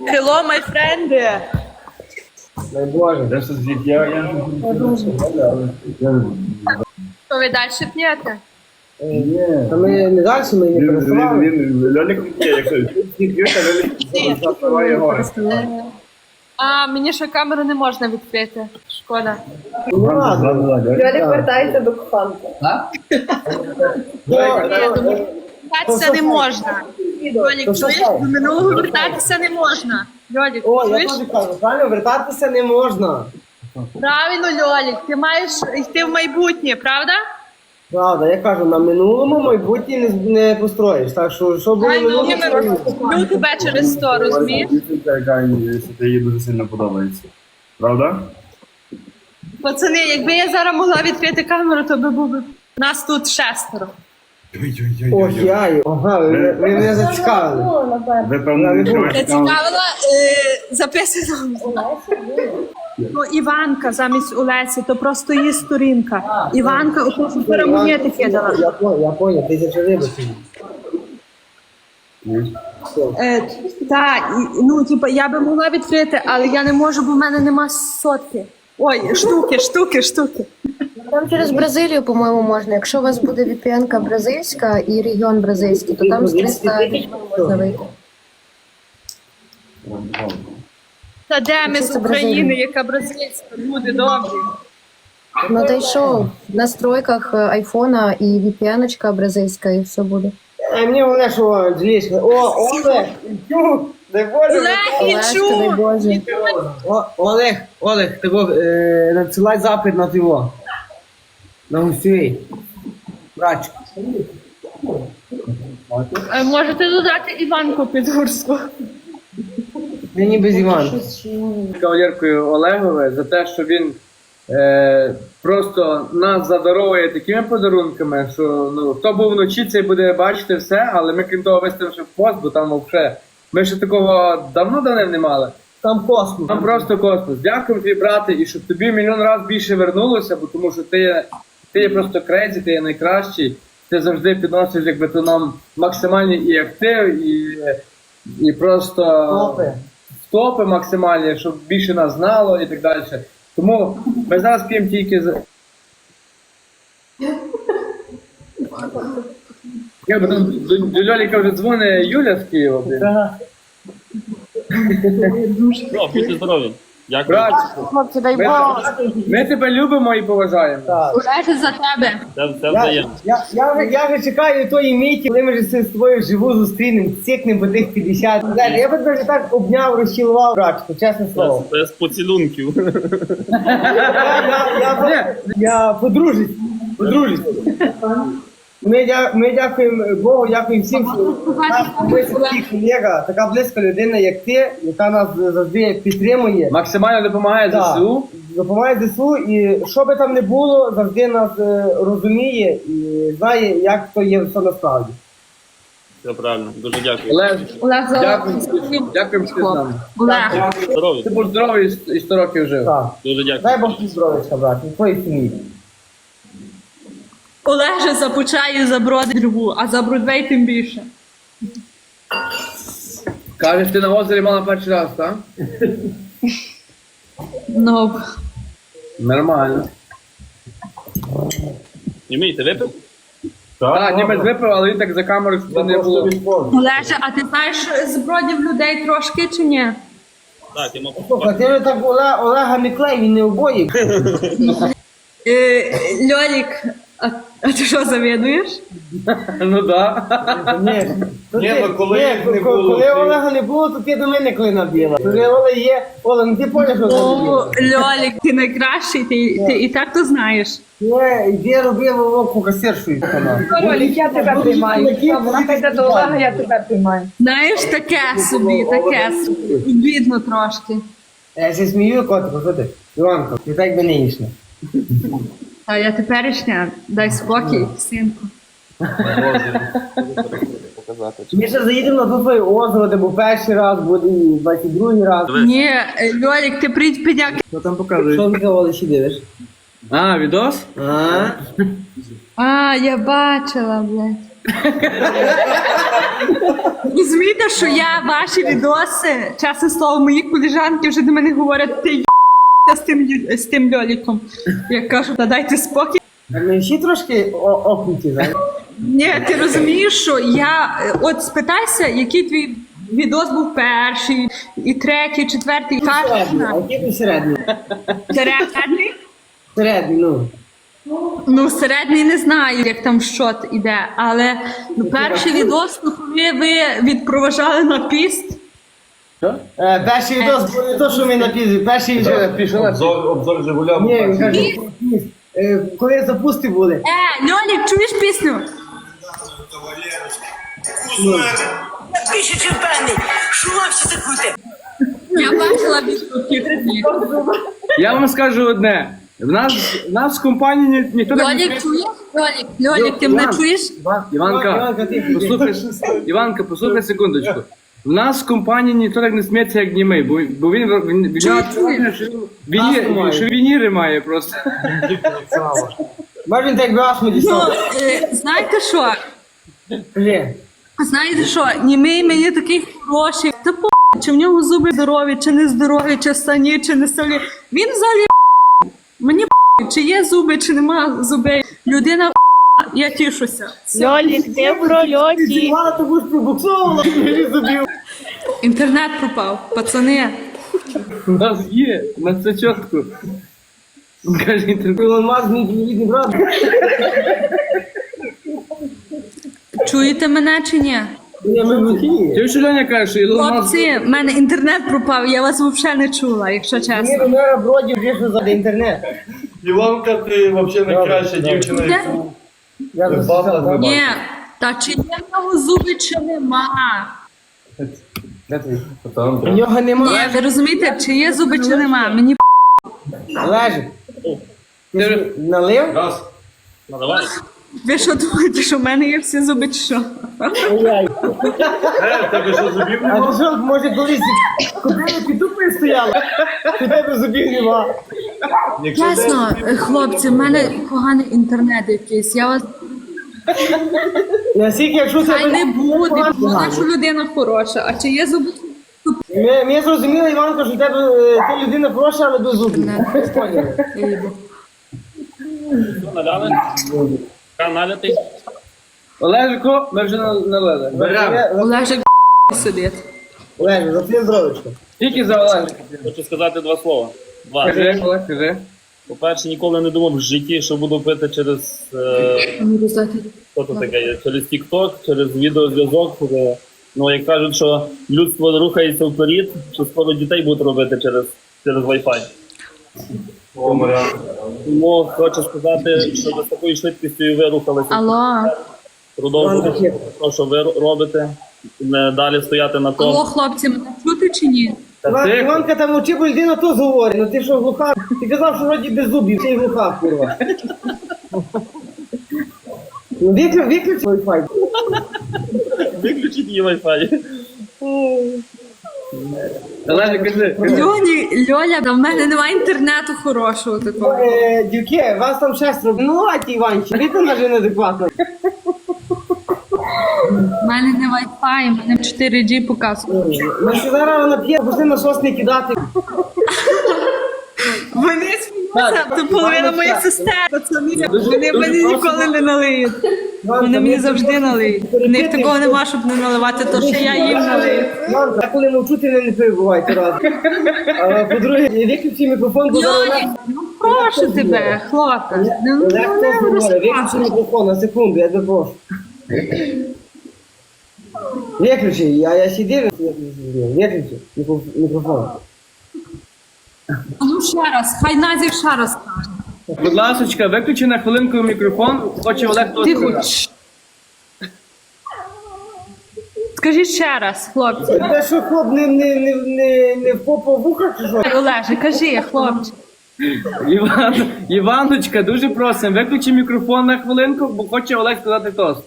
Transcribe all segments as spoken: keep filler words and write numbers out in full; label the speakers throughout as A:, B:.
A: Hello, my friend.
B: Дай Боже.
C: Де щось звідки? Я, я,
A: Що ви далі п'єте?
C: Ні.
B: Та ми не далі, ми не
C: Він, він,
B: пересували.
C: він, Льолік п'є, якщо всі п'ють, а Льолік запиває гори.
A: А, мені ще камеру не можна відкрити. Шкода.
B: Не ладно.
D: Льолік вертається до коханки.
A: Вертатися не можна. Льолік,
B: То що
A: чуєш?
B: стало?
A: До минулого вертатися не можна. Льолік,
B: О, я
A: чуєш?
B: теж кажу, правильно, вертатися не можна.
A: Правильно, Льолік, ти маєш йти в майбутнє, правда?
B: Правда, я кажу, на минулому майбутнє не, не построїш. Так що, що було
A: Ай, ну,
B: минуле,
A: я
B: то
A: люблю тебе через сто, розумієш?
C: Дівчинка, яка їй дуже сильно подобається. Правда?
A: Пацани, якби я зараз могла відкрити камеру, то би був би нас тут шестеро.
B: Ох, я, ага, ви, ви мене зацікавили.
D: Було, напевно.
C: Ви, певно, не
A: Я
C: відкриваєте камеру.
A: цікавила е, записано. Ну, Іванка замість Олесі, то просто її сторінка. Іванка, ото що перемонети кидала.
B: Я понял, я понял, тисяча вибачень.
A: Е, так, і- ну, типу, я би могла відкрити, але я не можу, бо в мене нема сотки. Ой, штуки, штуки, штуки.
E: Там через Бразилію, по-моєму, можна. Якщо у вас буде ві пі ен-ка бразильська і регіон бразильський, то там з триста можна вийти.
A: Та де ми
E: Це
A: з
E: це
A: України,
E: Бразилія.
A: яка бразильська, люди добрі.
E: Ну та й що, в настройках е, айфона і ві пі ен-очка бразильська, і все буде.
B: А мені головне, що Джлішка. О, Олег, Ю, дай Боже.
A: Олег,
E: Олешка, дай
A: Ічу!
E: Боже.
B: О, Олег, Олег, тебе е, надсилай запит на його. На гостєвий. Братчик.
A: Е, Можете додати Іванку Підгурську.
B: Мені без Івана.
F: Кавалеркою Олегове за те, що він е, просто нас задаровує такими подарунками, що ну, хто був вночі, цей буде бачити все, але ми крім того виставивши в пост, бо там взагалі ми ще такого давно давним не мали.
B: Там космос.
F: Там просто космос. Дякую тобі, брате, і щоб тобі мільйон разів більше вернулося, бо тому що ти є, ти є просто крейзі, ти є найкращий, ти завжди підносиш якби то нам максимальний і актив, і, і просто
B: Топи.
F: топи максимальні, щоб більше нас знало і так далі. Тому ми зараз п'ємо тільки за. Я б там до, до Льоліка вже дзвонить Юля з Києва. блін.
G: О, будьте здорові. Дякую.
F: Братчику,
E: Хлопці, дай
F: ми,
E: Боже.
F: ми тебе любимо і поважаємо.
B: Так.
A: Олеже, за тебе.
G: Це, це
B: Я,
G: взаємно.
B: я, я, вже- я вже чекаю тої миті, коли ми вже з тобою вживу зустрінемо, цікнемо по тих п'ятдесят. Знаєш, я би тебе вже так обняв, розчілував, братчику, чесне слово.
G: Це з поцілунків.
B: Я, я, я, я подружусь, подружусь. Ми, дя, ми дякуємо Богу, дякуємо всім, що наш близький колега, така близька людина, як ти, яка нас завжди підтримує.
F: Максимально допомагає
B: Так,
F: ЗСУ.
B: допомагає ЗСУ, і що би там не було, завжди нас е, розуміє і знає, як то є все насправді.
G: Все правильно. Дуже дякую.
F: Олег,
A: Олег, за
F: дякуємо, дякуємо, що ти з нами.
A: Олег.
G: Здорові.
F: Ти був здоровий і сто років жив.
B: Так.
G: Дуже дякую.
B: Дай Бог тобі здоров'я, брат, і твоїй сім'ї.
A: Олеже за Почаю, за Бродву, а за Бродвей тим більше.
F: Кажеш, ти на озері мала перший раз, так?
A: Ну,
F: Нормально.
G: Німей, ти випив?
F: Так, німець випив, але він так за камерою, щоб це не було.
A: Олеже, а ти знаєш з Бродів людей трошки чи ні?
G: Так, я мав
B: Слухай, ти вже так Олег, Олега не клей, він не обоє.
A: Е, Льолік, а, а ти що завідуєш?
F: Ну так.
B: Ні, то
C: Ні,
B: ти-
C: ну, коли
B: ні,
C: їх не
B: коли
C: було,
B: коли
C: ти-
B: Олега не було, то ти до мене клина біла. Коли Олег є, Оля, ну ти поняв, що
A: О,
B: це робила.
A: Льолік, ти найкращий, ти, ти і так то знаєш.
B: Ні, іди роби вовку касиршою.
D: Льолік, я тебе приймаю. Вона йде до Олега, я тебе приймаю.
A: Знаєш, таке собі, таке собі. Бідно трошки.
B: Я ще смію, котику, що ти? Іванко, ти так би нинішня.
A: А я теперішня, дай спокій, синку.
G: показати.
B: Ми ще заїдемо на твоє озеро, де був перший раз, буде і двадцять другий раз.
A: Ні, е, Льолік, ти прийдь підяк.
F: Що там показує?
B: Що ти казали, ще дивиш?
F: А, відос?
B: А?
A: А, я бачила, блядь. Розумієте, що я ваші відоси, чесне слово, мої коліжанки вже до мене говорять, ти й***, з тим, лю- з тим льоліком. Я кажу, та дайте спокій.
B: Ми всі трошки о- окнуті, знаєш.
A: Ні, ти розумієш, що я, е, от спитайся, який твій відос був перший, і третій, четвертий, і
B: Середній, а
A: кожен.
B: який ти середній?
A: Середній?
B: Середній, ну.
A: Ну, середній не знаю, як там що іде, але ну, перший відос, ну, коли ви відпроважали на піст,
B: Е, перший відос був не то, що ми напізли, перший вже...
F: Пішов.
C: Обзор, обзор Жигуля.
B: Ні, він каже, е, коли запусти були.
A: Е, Льолік, чуєш пісню?
H: Більше чим певний, що вам всі закрути?
A: Я бачила відгуки.
F: Я вам скажу одне. В нас, в нас в компанії ні, ніхто так не...
A: Льолік, чуєш? Льолік, Льолік, ти мене
B: Іван.
A: чуєш?
F: Іванка,
B: Іванка, ти-
F: послухай, Іванка, послухай секундочку. В нас в компанії ніхто так не сміється, як німий, бо, бо він, він, він,
A: Чуєш,
F: він,
A: чуєш?
F: що він, віні- що вініри має просто.
B: Може він так би аж не
A: Ну,
B: дістав.
A: е, знаєте що?
B: Кажи.
A: Знаєте що? Німий мені такий хороший. Та по чи в нього зуби здорові, чи не здорові, чи сані, чи не солі. Він взагалі мені чи є зуби, чи нема зубей. Людина я тішуся.
D: Льолік, ти в прольоті.
B: Мало того ж пробуксовувала, мені зубів.
A: Інтернет пропав, пацани.
F: У нас є, у нас це чітко. Каже, інтернет.
B: Ілон Маск, мій рідний брат.
A: Чуєте мене чи ні?
B: Я ми в Україні.
F: Ти що Льоня каже, що Ілон Маск...
A: Хлопці, в мене інтернет пропав, я вас взагалі не чула, якщо
B: Ні,
A: чесно.
B: ну я вроді вийшов за інтернет.
C: Іванка, ти взагалі найкраща дівчина, яку
B: Я
C: ви
B: засосав,
C: бачили.
B: так?
A: Ні, та чи є в нього зуби, чи нема?
B: У нього
A: Ні,
B: немає.
A: ви розумієте, чи є зуби, чи нема? Мені
B: Лежить. Ти ж налив?
C: Раз.
G: Ну давай.
A: ви що думаєте, що в мене є всі зуби, чи що?
B: Ой-ой.
C: Е, в тебе що зубів
B: А
C: нема?
B: ти що, може колись купили під тупою стояли? У тебе зубів нема.
C: Якщо
A: Чесно, хлопці, в мене поганий інтернет якийсь. Я вас
B: Наскільки, якщо це...
A: хай не буде, бо що людина хороша. А чи є зуби?
B: Ми, ми зрозуміли, Іванко, що в тебе е, ти людина хороша, але без зубів. Поняли.
G: Що, наляли? Налятий?
F: Олежико, ми вже на- налили.
C: беремо.
A: Олежик сидить.
B: Лежить, за твоє здоровечко.
F: Тільки за Олежика.
G: Хочу сказати два слова. Два.
F: Кажи, Олег, кажи.
G: По-перше, ніколи не думав в житті, що буду пити через е, що це таке, є? Через TikTok, через відеозв'язок. Е, Ну, як кажуть, що людство рухається вперед, що скоро дітей будуть робити через, через Wi-Fi.
C: О, Маріан.
G: Тому хочу сказати, що ви з такою швидкістю і ви рухалися.
A: Алло,
G: Продовжуйте те, що ви робите. Не далі стояти на
A: алло,
G: тому.
A: хлопці, мене чути чи ні?
F: Та
B: Іван-
F: ти,
B: Іванка там очі, бо людина то говорить. Ну ти що, глуха? Ти казав, що вроді без зубів, ти й глуха, курва. Ну виключ, виключ Wi-Fi.
G: Виключіть її Wi-Fi.
F: Олежик, кажи.
A: Льоні, Льоля, да в мене немає інтернету хорошого такого.
B: Е, Дівки, вас там шестеро. Ну, а ті Іванчі, ви там навіть неадекватно.
A: У мене не Wi-Fi, у мене чотири джі показує.
B: Ми ще зараз вона п'є, пошли насос не кидати.
A: Вони сміються, це половина моїх сестер, пацани. Вони мені ніколи не налиють. Вони мені завжди налиють. У них такого нема, щоб не наливати, то що я їм налию.
B: Іванка, я коли мовчу, ти не, не перебувайте раз. А по-друге, виключи мікрофон, бо зараз
A: Льоні, ну прошу тебе, хлопець. Ну, ну,
B: Олег
A: не
B: теж говорить, виключи
A: розказуй.
B: мікрофон на секунду, я тебе прошу. Виключи, я, я сидів, виключи мікро- мікрофон.
A: Ну ще раз, хай Назік ще раз скаже.
F: Будь ласочка, виключи на хвилинку мікрофон, хоче Олег то
A: Тихо.
F: сказати.
A: Чш. Скажіть ще раз, хлопці.
B: Тебе що, хлоп, не, не, не, не, не в попу вуха чи що?
A: Олеже, кажи, хлопче.
F: Іван, Іваночка, дуже просимо, виключи мікрофон на хвилинку, бо хоче Олег сказати тост.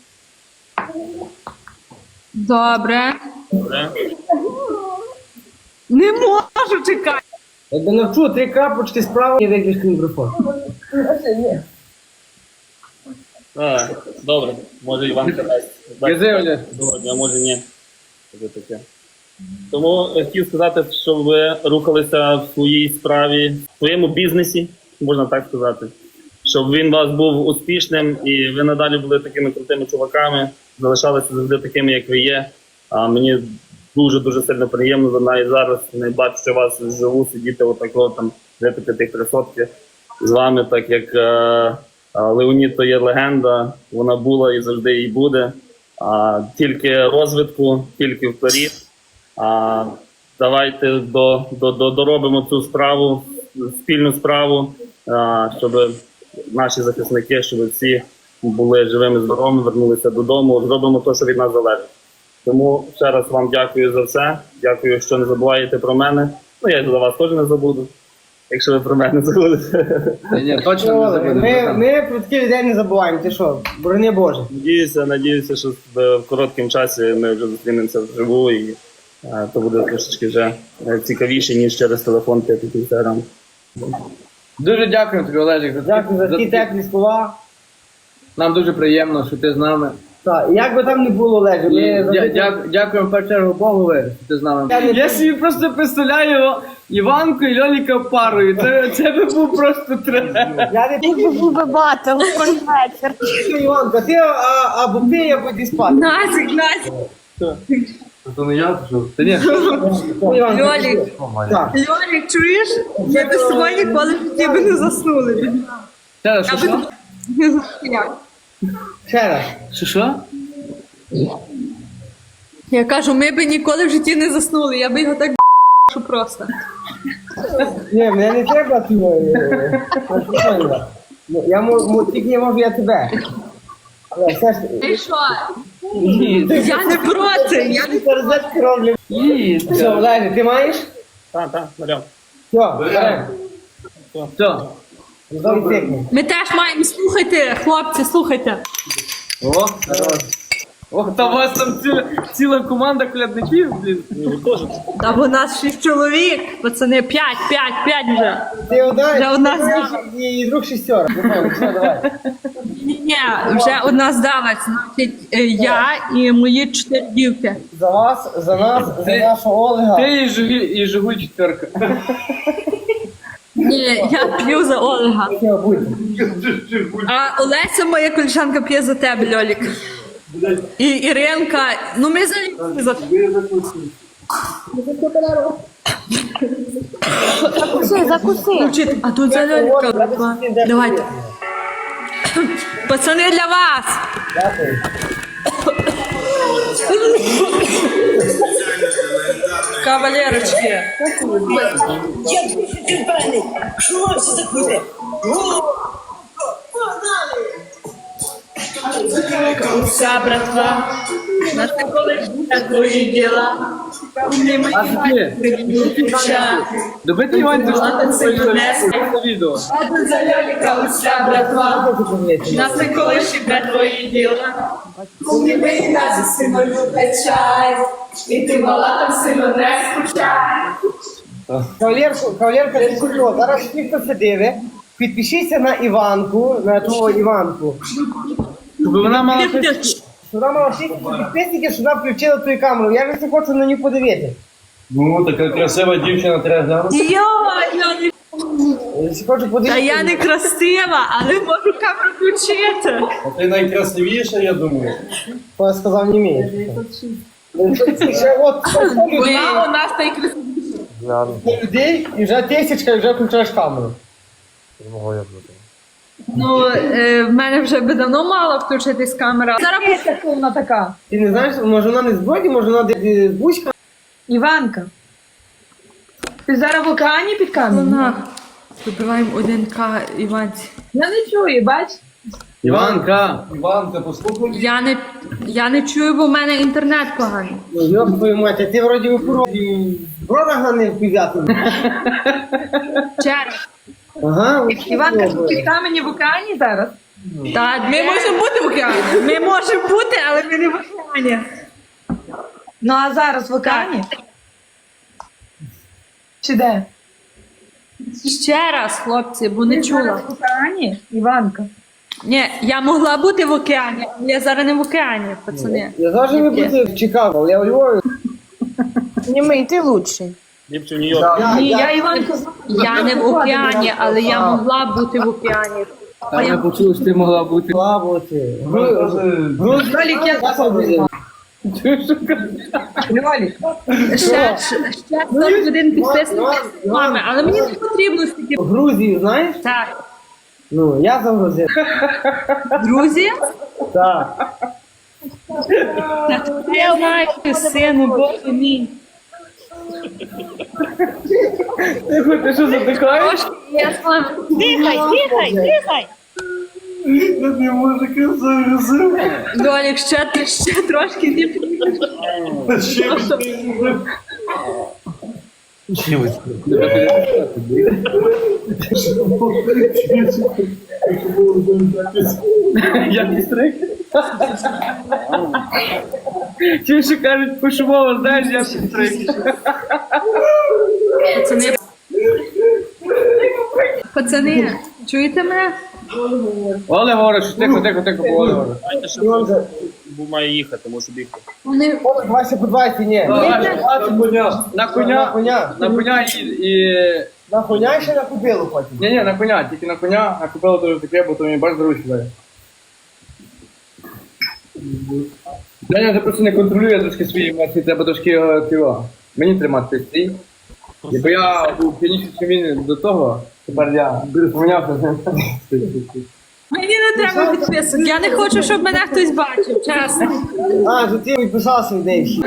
A: Добре.
G: Добре.
A: Не можу чекати.
B: Якби навчу три крапочки справа і виключи мікрофон.
G: А, добре, може Іванка дасть.
F: Кажи, Олег.
G: Сьогодні, а може ні. Таке таке. Тому хотів сказати, що ви рухалися в своїй справі, в своєму бізнесі, можна так сказати. Щоб він у вас був успішним і ви надалі були такими крутими чуваками, залишалися завжди такими, як ви є. А мені дуже-дуже сильно приємно, навіть зараз не бачу, що вас живу, сидіти отако там випити тих три сотки з вами, так як е, Леонід то є легенда, вона була і завжди і буде. А, тільки розвитку, тільки вперед. А, давайте до, до, до, доробимо цю справу, спільну справу, а, щоб наші захисники, щоб всі були живими, здоровими, вернулися додому, зробимо те, що від нас залежить. Тому ще раз вам дякую за все, дякую, що не забуваєте про мене. Ну, я за вас теж не забуду, якщо ви про мене забудете.
F: Ні, ні, точно не забудемо.
B: Ми, ми про таких людей не забуваємо, ти що, борони Боже.
G: Надіюся, надіюся, що в в короткому часі ми вже зустрінемося вживу і е, то буде трошечки вже е, цікавіше, ніж через телефон та інстаграм.
F: Дуже дякую тобі, Олежик. за
B: Дякую за ті
F: такі-
B: теплі слова.
F: Нам дуже приємно, що ти з нами.
B: Так, і як би там не було, Олеже,
F: І
B: ми
F: дя-
B: завжди-
F: дя- Дякуємо в першу чергу Богу, що ти з нами.
B: Я не-
F: Я собі просто представляю Іванку і Льоліка парою. Це, це би був просто трек.
B: Я не
D: Був би батл, кожен вечір.
B: пишу, Іванка, ти а, або пий, або йди спати.
A: Назік, Назік.
C: То не я, то
F: Та ні,
B: Ну, Іванка,
A: Льолік.
B: Так,
A: Льолік, чуєш? Я без тобою ніколи в житті би не заснули.
F: ще раз, що
A: Я би
F: що?
A: не заснула.
B: ще раз.
F: Що що?
A: Я кажу, ми би ніколи в житті не заснули, я би його так що просто.
B: Ні, мене не треба ти. е, е, ну, Я можу, тільки не можу я тебе. Але все ж...
A: І що? Я не проти, я не
B: Ти розетки роблю.
F: Їй,
B: Все, Олеже, ти маєш?
G: Так, так, Мар'ян.
B: Все, беремо.
F: все.
B: Знову тикни.
A: Ми теж маємо, слухайте, хлопці, слухайте.
F: О, хорош. Ох, та у вас там ціла, ціла команда колядників, блін.
A: Та бо нас шість чоловік, пацани, п'ять, п'ять, п'ять вже.
B: Ти одна,
A: Вже одна
B: ти знаєш,
A: здала.
B: і друг шістьора. Виходить, все, давай.
A: Ні, вже одна здалась, значить, е, я і мої чотири дівки.
B: За вас, за нас, за
F: Ти-
B: нашого Олега.
F: Ти і Жигуль, і Жигуль четверка.
A: Ні, я п'ю за Олега.
B: Все, будь.
A: А Олеся, моя колежанка, п'є за тебе, Льолік. І Іринка, ну ми за за
D: Закуси, закуси.
A: Вчити. А тут за Льоліка. Давайте. Пацани, для вас.
B: Дякую.
A: Кавалерочки.
H: Я більше чим певний, що вам все закрите.
A: Вся братва. На колишня твої діла.
F: А ти? Добити Іванцю, що ти на відео.
A: За Льоліка уся братва. На колишні твої діла. Коли ми нас сильно любить чай. І ти мала там сильно не скучай.
B: Кавалерку, кавалерка, ти що? Зараз всі, хто це дивить, підпишіться на Іванку, на твого Іванку.
F: Щоб вона мала щось...
B: Що вона мала шість підписників, що вона включила твою камеру. Я вже хочу на нього подивитися.
C: Ну, така красива дівчина треба глянути.
A: Йо, я не...
B: Я ще хочу
A: Та
B: подивитися.
A: я не красива, але можу камеру включити.
C: А ти найкрасивіша, я думаю.
B: Хто сказав, не вмієш. Ще от
A: Вона у нас та й красива.
B: людей, і вже тисячка, і вже включаєш камеру.
A: Ну, е, в мене вже би давно мала включитись камера. Зараз
D: Яка вона така?
B: Ти не знаєш, може вона не з Броді, може вона десь з Бучка?
D: Іванка. Ти зараз в океані під камінь?
A: вона. Вибиваємо один К Іванці.
D: Я не чую, бач?
F: Іванка.
C: Іванка, послухай.
A: Я не, я не чую, бо в мене інтернет поганий.
B: Ну, йоп твою мать, а ти вроді в Бродага не взяти.
A: Через.
B: Ага,
D: Іванка під камені в океані зараз?
A: Так, ми можемо бути в океані. Ми можемо бути, але ми не в океані.
D: Ну а зараз в океані? Чи де?
A: Ще раз, хлопці, бо не
D: Ти зараз
A: чула.
D: в океані, Іванка.
A: Ні, я могла бути в океані, але я зараз не в океані, пацани.
B: Я завжди не бути в Чикаго, але я у Львові.
D: Німий, ти лучший.
G: Ліпше в Нью-Йорк.
A: Ні, я, я не в океані, але я могла бути в океані.
F: Та я почув, що ти могла бути.
B: Слаботи. Грузналік я так.
A: Ще, ще, ще сорок один підписник з вами, але мені не потрібно стільки.
B: В Грузії, знаєш?
A: Так,
B: Ну, я за Грузію.
A: друзі,
B: Так.
A: я знаю, сину, Боже мій.
F: Ти, ти що затикаєш?
A: Трошки я з вами.
D: Дихай, дихай, дихай.
C: Не може казати.
A: Льолік, ще, ти- ще трошки не
C: Ще
F: Я не стриг. Ті, що кажуть, пошумово, знаєш, я стриг.
A: Пацани, пацани, чуєте мене?
F: Олег говорить, що тихо, тихо, тихо, бо Олег говорить.
G: Знаєте, що бо має їхати, може бігти.
A: Вони
B: О, двадцять по двадцять, ні.
F: На коня. На
B: На
F: коня.
B: коня.
F: На коня і... і...
B: На коня і ще на купилу потім.
F: Ні, ні, на коня, тільки на коня, а купила дуже таке, бо то мені бач доручі дає. Даня, ти просто не контролює трошки свої емоції, треба трошки його тіло. Мені тримати стрій. І бо я був п'яніший, чим він до того, тепер я помінявся з ним.
A: Мені не треба підписок. Я не хочу, щоб мене хтось бачив, чесно.
B: А, то ти підписався в неї.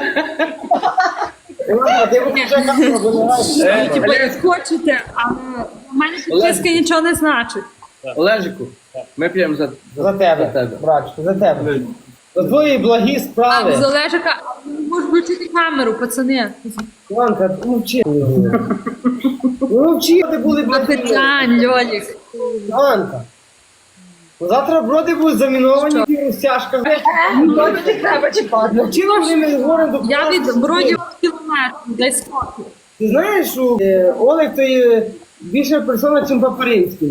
B: Іванка, ти будеш вже камеру вибираєш.
A: Типу, як хочете, але в мене підписки нічого не значить.
F: Олежику, ми п'ємо за,
B: За тебе, братчику, за тебе. За твої благі
A: А,
B: справи.
A: з Олежика, можеш включити камеру, пацани.
B: Іванка, мовчи. Ну мовчи, ти були
A: А
B: благі.
A: питань, Льолік.
B: Іванка. Завтра броди будуть заміновані в розтяжках.
D: Не треба чіпати.
B: Навчила вони ми говоримо до
A: Я від бродів кілометрів, десь спокій.
B: Ти знаєш, що е, Олег то є більша персона, ніж Папаринський.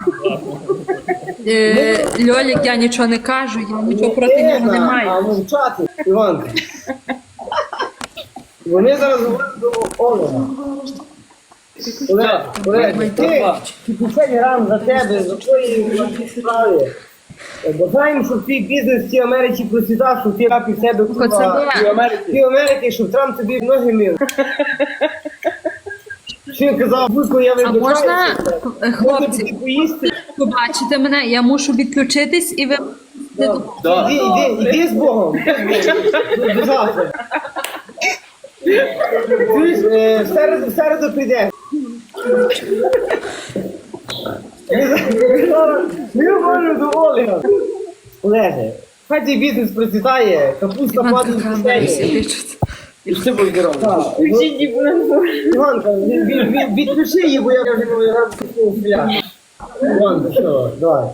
A: Е, Льолік, я нічого не кажу, я нічого проти нього не
B: А
A: маю.
B: мовчати, Іванка. Вони зараз говорять до Олега. Олег, Олег, ти, п'ятдесят грам за тебе, за твої благі справи. Е, Бажаємо, щоб твій бізнес в цій Америці процвітав, щоб ти рапів себе
A: Пацани,
B: в цій Америці, щоб Трамп тобі ноги мив. Що він казав, будь-ко я
A: а
B: вибачаюся.
A: можна,
B: Можна
A: е, хлопці,
B: тобі поїсти?
A: побачите мене, я мушу відключитись і ви...
F: Да.
B: Іди, іди, іди з Богом. До- До завтра. Чуєш, е, в середу, в середу прийде. Ми зараз- Ми говоримо до Олега. Олеже, хай цей бізнес процвітає, капуста
A: Іванка
B: падає в
A: камеру
B: кишені.
A: сидить.
F: І все буде здорово.
B: Так, Іванка, від- від- від- відключи її, бо я вже не можу стріляти. Іванка, що, давай.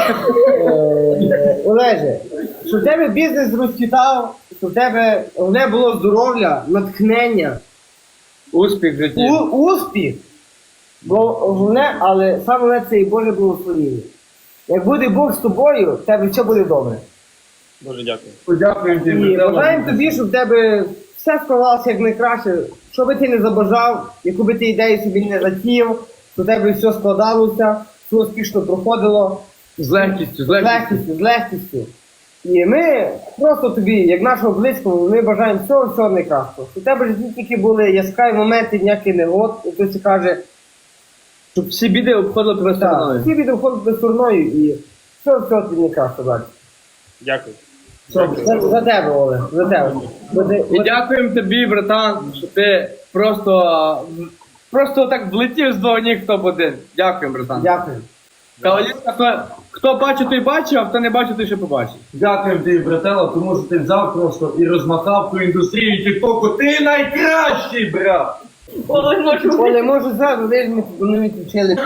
B: Е, Олеже, щоб в тебе бізнес розцвітав, щоб в тебе головне було здоров'я, натхнення,
F: Успіх в житті.
B: у- успіх, бо головне, але саме головне це і Боже благословіння. Як буде Бог з тобою, в тебе все буде добре.
G: Дуже дякую.
F: Подякуємо тобі.
B: І бажаємо тобі, щоб в тебе все склалося як найкраще. Що би ти не забажав, яку би ти ідею собі не затіяв, щоб в тебе все складалося, все успішно проходило
F: З легкістю, з
B: з
F: легкістю.
B: легкістю, з легкістю. І ми просто тобі, як нашого близького, ми бажаємо всього, всього найкращого. Щоб у тебе в житті тільки були яскраві моменти, ніякий негод, і хтось каже,
F: Щоб всі біди обходили тебе
B: так,
F: стороною.
B: всі буде входити стороною і все, все тобі найкраще далі.
G: Дякую.
B: Все, за, за тебе, Олег, за тебе. За те-
F: І дякуємо тобі, братан, що ти просто, просто так влетів з двох ніг в топ-один. Дякуємо, братан.
B: Дякую.
F: Кавалерка, хто, хто бачив, той бачив, а хто не бачив, той ще побачить.
C: Дякуємо тобі, братела, тому що ти взяв просто і розмахав ту індустрію тіктоку. Ти найкращий, брат!
B: Оле, може зразу, ви ж не- не відключили.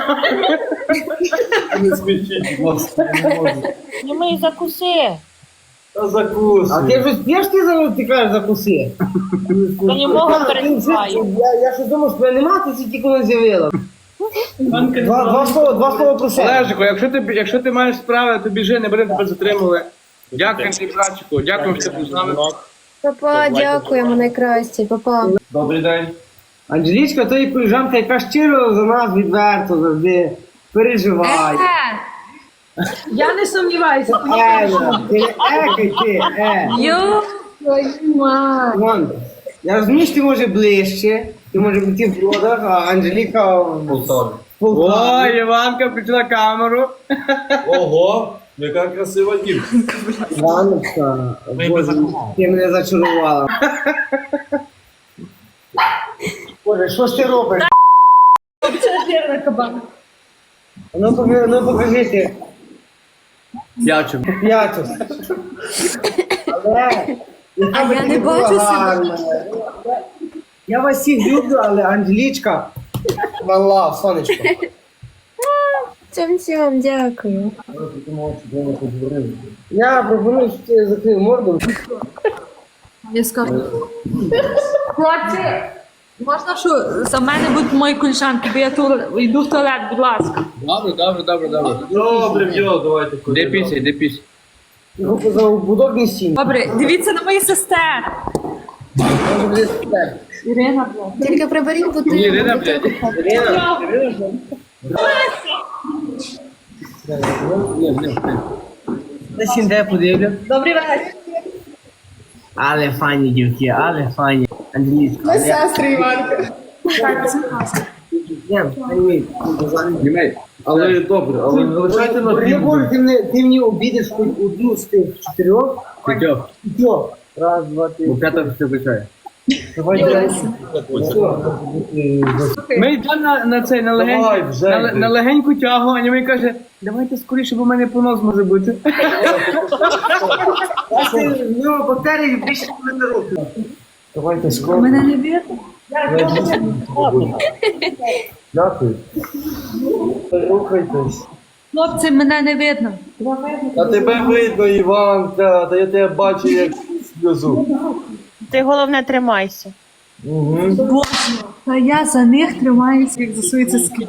C: Не смішіть, будь ласка, я не можу.
D: Німий, закуси.
C: Та закусуй.
B: А ти вже спіш ти зараз ти кажеш закуси?
D: Та німого
B: Та, ти вже-
D: перебиваю.
B: Я, я ще думав, що тебе нема, ти це тільки не з'явила. Два, два слова, два слова про себе.
F: Олежику, якщо ти, якщо ти маєш справи, то біжи, не будемо тебе затримувати. Дякуємо тобі, братчику, дякуємо, що ти був з нами.
E: Папа, дякуємо, найкраще, папа.
C: Добрий день.
B: Анжелічка, то і колежанка, яка щиро за нас відверто завжди переживає.
D: Я не сумніваюся.
B: Е, ти не екай ти, е.
A: Йо, твою мать.
B: Вон, я розумію, що ти може ближче, ти може бути в Бродах, а Анжеліка в
C: Полтаві.
F: О, Іванка включила камеру.
C: Ого, яка красива дівчинка.
B: Іваночка, Боже, ти мене зачарувала. Боже, що ж ти робиш? Ну, покажи, ну покажи
F: Дячим.
B: п'яту. Але, яка би
A: я
B: ти
A: не
B: була
A: бачу себе.
B: гарна. Я вас всіх люблю, але Анжелічка, вала, сонечко.
E: Цьом-цьом, дякую.
B: Я пропоную, що ти закрив морду.
A: Я скажу. Хлопці, можна, що за мене будуть мої колежанки, бо я туалет, йду в туалет, будь ласка.
F: Добре, добре, добре, добре.
C: Добре, йо, давайте.
F: Де після, де після.
B: Його за будовні стіни.
A: Добре, дивіться на мої сестер.
B: Може буде супер.
A: Ірина, блядь.
E: Тільки приберіть бути.
F: Ні, Ірина, блядь.
B: Ірина, десь інде подивлю.
A: Добрий вечір.
B: Але фані дівки, але фані. Анжелічка. Ми сестри, Іванка.
F: Німей.
C: Але добре, але не лишайте на
B: Я
C: фільму.
B: говорю, ти мене, ти мені обідеш хоч одну з тих чотирьох.
F: П'ятьох.
B: П'ятьох. Раз, два, три.
F: Бо п'ята все включає.
B: Давай,
F: Ми йдемо на, на цей, на,
C: Давай,
F: легень,
C: вже
F: на,
C: йди.
F: на легеньку тягу, а Німей каже, давайте скоріше, бо в мене понос може бути.
B: В нього бактерії більше мене років.
C: Давайте скоро.
A: Мене не видно.
C: Дякую. Рухайтесь.
A: Хлопці, мене не видно.
C: А тебе видно, Іванка, та я тебе бачу як сльозу.
I: Ти головне тримайся.
C: Угу.
A: Боже, та я за них тримаюся, як за свої цицьки.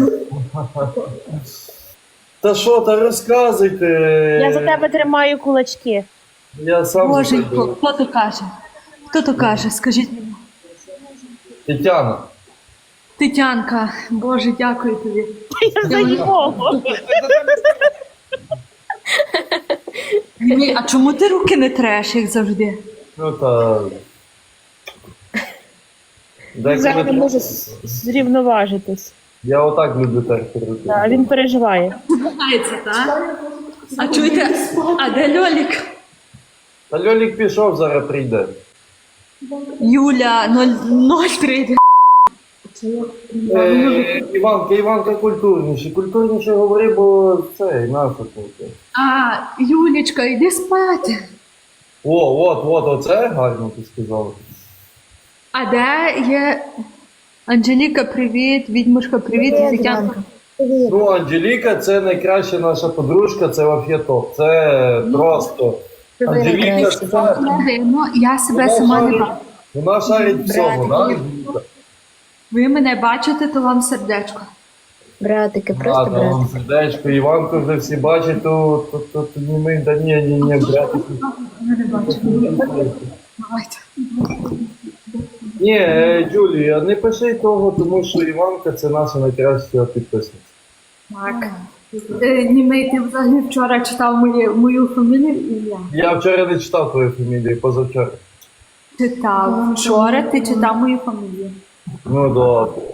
C: Та що, та розказуйте.
I: Я за тебе тримаю кулачки.
C: Я сам за
A: Боженько,
C: тебе.
A: хто то каже? Хто то каже? Скажіть мені.
C: Тетяна.
A: Тетянка, Боже, дякую тобі.
I: Я за нього.
A: Ні, а чому ти руки не треш, як завжди?
C: Ну та. Деколи
I: Зараз не
C: треба.
I: може з- зрівноважитись.
C: Я отак люблю терти руки.
I: А він переживає.
A: Знається, так? А чуєте, а де Льолік?
C: Та Льолік пішов, зараз прийде.
A: Юля, нуль три.
C: Е, Іванка, Іванка культурніше. Культурніше говори, бо це наша тут.
A: А, Юлічка, йди спати.
C: О, от, от, оце гарно ти сказала.
A: А де є Анжеліка, привіт, відьмушка, привіт,
E: Привіт,
A: Тетянка.
E: Іванка. Привіт.
C: Ну, Анжеліка це найкраща наша подружка, це вообще топ. Це просто.
E: Ти
C: Анжеліка
E: найкраща.
C: це.
A: Не видно, я себе сама не бачу.
C: Вона шарить всьому, да?
E: Братики.
C: Анжеліка?
A: Ви мене бачите, то вам сердечко.
E: Братики, просто
C: Ладно, вам
E: братики.
C: сердечко, Іванку вже всі бачать, то, то, то, то ні ми, да ні, ні, ні, братики.
A: Я не бачу. Давайте.
C: Ні, е, Джулія, не пиши того, тому що Іванка це наша найкраща підписниця.
A: Так. Е, Німей, ти взагалі вчора читав мою, мою фамілію і я.
C: Я вчора не читав твою фамілію, позавчора.
A: Читав. Вчора ти читав мою фамілію.
C: Ну добре.